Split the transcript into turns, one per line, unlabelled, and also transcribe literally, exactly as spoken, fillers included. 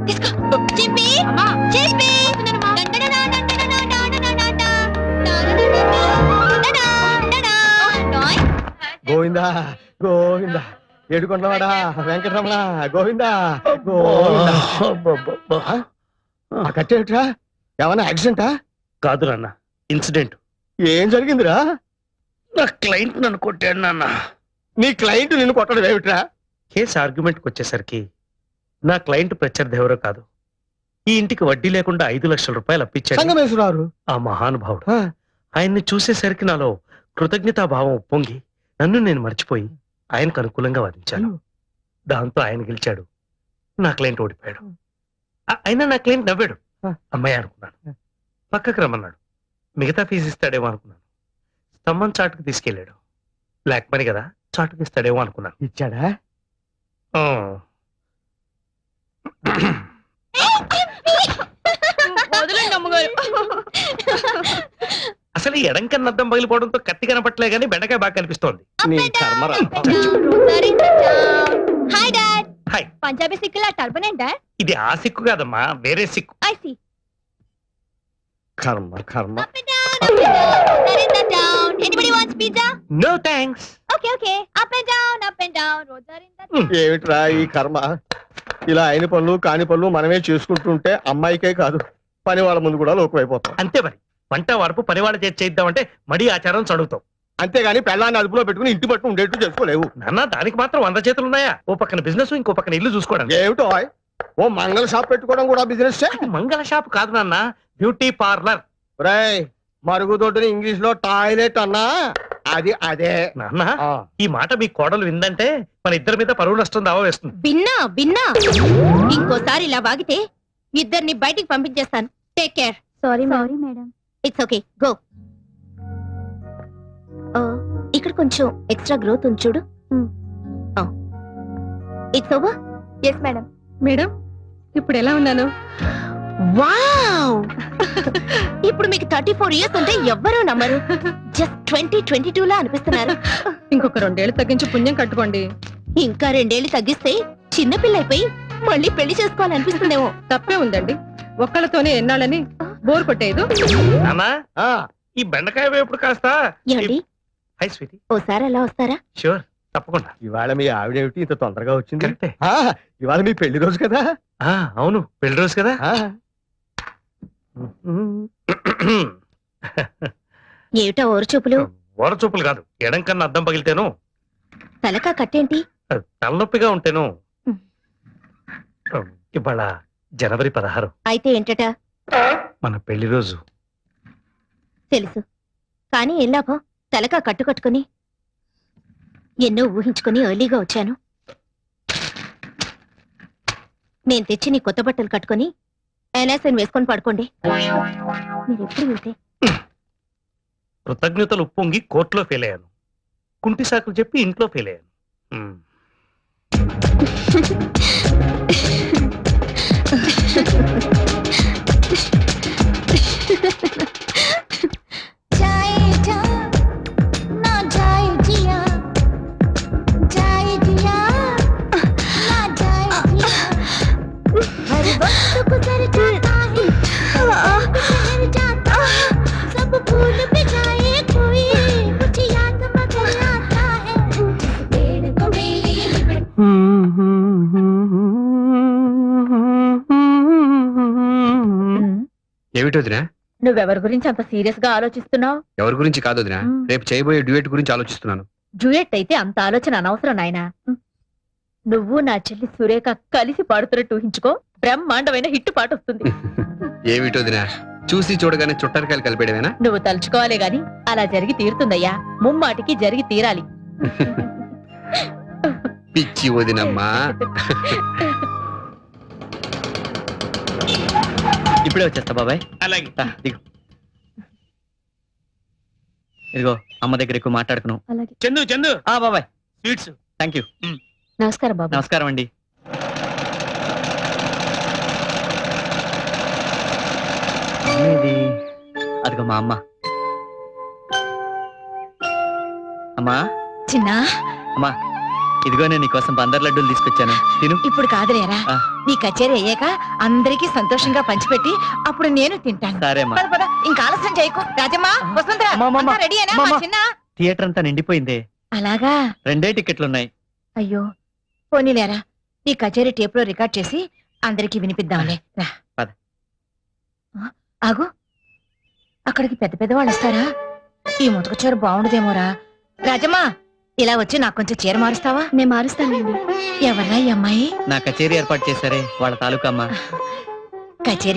గోవిందా గోవిందా ఏడుకొండవాడా వెంకటరమణ గోవిందా గోవిందా. కట్టేట్రా ఏమన్నా యాక్సిడెంటా?
కాదు నాన్న, ఇన్సిడెంట్.
ఏం జరిగిందిరా?
నా క్లయింట్ నన్ను కొట్టాడు నాన్న.
నీ క్లయింట్ నిన్ను కొట్టడం ఏమిట్రా?
కేసు ఆర్గ్యుమెంట్కి వచ్చేసరికి నా క్లయింట్ ప్రత్యర్థి ఎవరో కాదు, ఈ ఇంటికి వడ్డీ లేకుండా ఐదు లక్షల రూపాయలు అప్పించాడు
సంగమేశ్వరారు
ఆ మహానుభావుడు. ఆయన్ని చూసేసరికి నాలో కృతజ్ఞతాభావం ఉప్పొంగి నన్ను నేను మర్చిపోయి ఆయనకు అనుకూలంగా వాదించాను. దాంతో ఆయన గెలిచాడు, నా క్లయింట్ ఓడిపోయాడు. అయినా నా క్లయింట్ నవ్వాడు. అమ్మాయి అనుకున్నాను. పక్కకు రమ్మన్నాడు. మిగతా ఫీజు ఇస్తాడేమో అనుకున్నాను. స్తంభం చాటుకు తీసుకెళ్ళాడు. బ్లాక్ మనీ కదా, చాటుకు ఇస్తాడేమో అనుకున్నాను.
ఇచ్చాడా?
అసలు ఈ ఎడం కన్నా అద్దం పగిలిపోవడంతో కత్తి కనపట్లే గానీ బెండకాయ బాగా కనిపిస్తోంది.
పంజాబీ సిక్కులా టర్బన్ ఏంటా?
ఇది ఆ సిక్కు కాదమ్మా, వేరే సిక్కు.
కర్మ కర్మ.
No thanks.
ఏమిట్రా ఈ కర్మ? ఇలా అయిన పనులు కాని పనులు మనమే చేసుకుంటుంటే అమ్మాయికే కాదు పని వాళ్ళ ముందు కూడా లోకమైపోతాం.
అంతే మరి. వంట వరపు పనివాళ్ళ చేతి చేద్దామంటే మడి ఆచారం చదువుతాం.
అంతేగాని పెళ్ళాన్ని అదుపులో పెట్టుకుని ఇంటి పట్టు ఉండేట్టు చేసుకోలేవు.
నాన్న, దానికి మాత్రం వంద చేతులు ఉన్నాయా? ఓ పక్కన బిజినెస్, ఇంకో పక్కన ఇల్లు చూసుకోవడం.
ఏమిటో ఓ మంగళ షాప్ పెట్టుకోవడం కూడా బిజినెస్.
మంగళ షాప్ కాదు నాన్న, బ్యూటీ పార్లర్.
రాయ్ మరుగుదొడ్డుని ఇంగ్లీష్ లో టాయిలెట్ అన్నా అది అదే.
నాన్న, ఈ మాట మీ కోడలు విందంటే మన ఇద్దరి మీద పరువు నష్టం దావా వేస్తుంది.
విన్నా విన్నా ఇంకోసారి ఇలా వాగితే ఇద్దరిని బయటికి పంపించేస్తాను. Take care. Sorry sorry madam. It's okay, go. ఇక్కడ కొంచెం ఎక్స్ట్రా గ్రోత్ ఉంది చూడు. It's over. Yes madam.
Madam, ఇప్పుడు ఎలా ఉన్నాను?
వావ్! ఇప్పుడు మీకు థర్టీ ఫోర్ ఇయర్స్ ఉంటే ఎవ్వరూ నమ్మరు. జస్ట్ ట్వంటీ ట్వంటీ టూ లా అనిపిస్తున్నారు.
ఇంకొక రెండేళ్లు తగ్గించి పుణ్యం కట్టుకోండి.
ఇంకా రెండేళ్లు తగ్గిస్తే చిన్నపిల్ల అయిపోయి మళ్ళీ పెళ్లి చేసుకోవాలనిపిస్తుందేమో.
తప్పే ఉందండి, ఒక్కళ్ళతోనే ఎన్నాళ్ళని బోర్ కొట్టేదు.
నాన్నా, ఈ బెండకాయ వేపుడు కాస్త.
ఏమండి,
హై స్వీటీ,
ఓసారి అలా వస్తారా?
షూర్, తప్పకుండా.
ఇవాళ మీ ఆవిడేమిటి ఇంత తొందరగా వచ్చింది?
కరెక్టే.
ఇవాళ మీ పెళ్లి రోజు కదా?
అవును, పెళ్లి రోజు కదా.
ఏమిటా ఓరు చూపులు?
ఓర చూపులు కాదు, ఎడం కన్నా అద్దం పగిలితేను.
తలకా కట్టేంటి?
తలనొప్పిగా ఉంటేను. ఇవాళ జనవరి పదహారు.
అయితే ఏంటట?
మన పెళ్లి రోజు.
తెలుసు, కానీ ఏం లాభం? తలకా కట్టు కట్టుకుని ఎన్నో ఊహించుకుని ఎర్లీగా వచ్చాను. నేను తెచ్చి నీ కొత్త బట్టలు కట్టుకుని ఎనాసన్ వేసుకొని పడుకోండి. మీరు ఎప్పుడు వెళ్తే
కృతజ్ఞతలు ఉప్పొంగి కోర్టులో ఫెయిల్ అయ్యాను. కుంటి సాకులు చెప్పి ఇంట్లో ఫెయిల్ అయ్యాను.
ఏమిటి వదినా?
నువ్వెవరి గురించి అంత సీరియస్ గా ఆలోచిస్తున్నావు?
ఎవరి గురించి కాదు వదినా, రేపు చేయబోయే డ్యూయట్ గురించి ఆలోచిస్తున్నాను.
డ్యూయట్ అయితే అంత ఆలోచన అనవసరం నాయనా. నువ్వు నా చెల్లి సురేఖ కలిసి పాడుతున్నట్టు ఊహించుకో, బ్రహ్మాండమైన హిట్ పాట వస్తుంది.
ఏమిటి వదినా, చూసి చూడగానే చుట్టరికాయలు కలిపేయడమేనా?
నువ్వు తలుచుకోవాలే గాని అలా జరిగి తీరుతుందయ్యా. ముమ్మాటికి జరిగి తీరాలి.
పిచ్చి వదినమ్మా.
ఇప్పుడే వచ్చేస్తా బాబాయ్.
అలాగే.
దిగు. ఇదిగో అమ్మ దగ్గర ఎక్కువ మాట్లాడుకున్నావు.
చందు చందు
ఆ బాబాయ్,
స్వీట్స్.
Thank you.
నమస్కారం బాబు.
నమస్కారం అండి. ఇది అదిగో మా అమ్మ. అమ్మా
చిన్న
అమ్మా, ఇదిగో నేను నీకోసం బందర్ లడ్డూలు తీసుకొచ్చాను తిను
ఇప్పుడు కాదులేరా
ఆ.
నీ కచేరీ అయ్యాక అందరికీ సంతోషంగా పంచిపెట్టి అప్పుడు నేను తింటాను
సరే అమ్మా
పద పద ఇంకా ఆలస్యం చేయకు రాజమ్మా వసుంధరా
అమ్మా, అమ్మా,
అంతా రెడీ అయినా
అమ్మా,
మా
అమ్మా.
చిన్న
థియేటర్ అంతా నిండిపోయిందే
అలాగా
రెండే టికెట్లు ఉన్నాయి
అయ్యో పోనీలేరా నీ కచేరీ టేప్ లో రికార్డ్ చేసి అందరికీ వినిపిద్దాంలే రా
పద.
ఆ, ఆగు అక్కడికి పెద్ద పెద్ద వాళ్ళు వస్తారా ఈ ముతక చీర బాగుండదేమోరా రాజమ్మా ఇలా వచ్చి నాకు కొంచెం చీర మారుస్తావా
నేను మారుస్తానండి.
ఎవరా ఈ అమ్మాయి
నా కచేరీ ఏర్పాటు చేశారే వాళ్ళ తాలూకా అమ్మా
కచేరీ